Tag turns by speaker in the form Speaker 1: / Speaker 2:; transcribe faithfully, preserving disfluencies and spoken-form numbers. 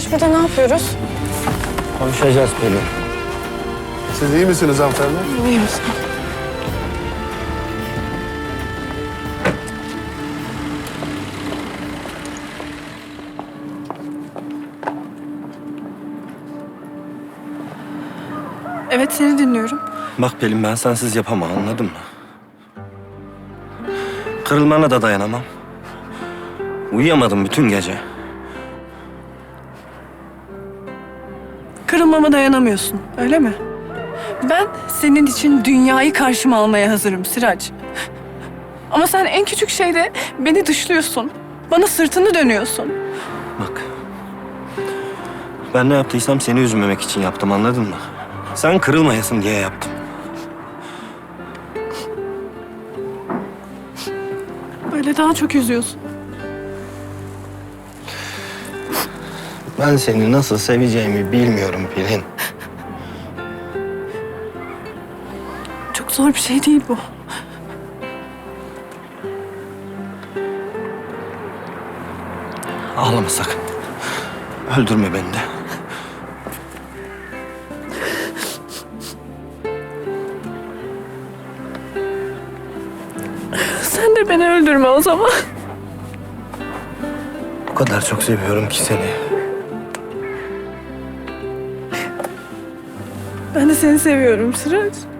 Speaker 1: Biz burada ne yapıyoruz?
Speaker 2: Konuşacağız Pelin.
Speaker 3: Siz iyi misiniz hanımefendi?
Speaker 1: İyi misin? Evet, seni dinliyorum.
Speaker 2: Bak Pelin, ben sensiz yapamam, anladın mı? Kırılmana da dayanamam. Uyuyamadım bütün gece.
Speaker 1: Kırılmama dayanamıyorsun, öyle mi? Ben senin için dünyayı karşıma almaya hazırım Sıraç. Ama sen en küçük şeyde beni dışlıyorsun. Bana sırtını dönüyorsun.
Speaker 2: Bak. Ben ne yaptıysam seni üzmemek için yaptım, anladın mı? Sen kırılmayasın diye yaptım.
Speaker 1: Böyle daha çok üzüyorsun.
Speaker 2: Ben seni nasıl seveceğimi bilmiyorum Pelin.
Speaker 1: Çok zor bir şey değil bu.
Speaker 2: Ağlama sakın. Öldürme beni de.
Speaker 1: Sen de beni öldürme o zaman.
Speaker 2: O kadar çok seviyorum ki seni.
Speaker 1: Ben de seni seviyorum Sıraç.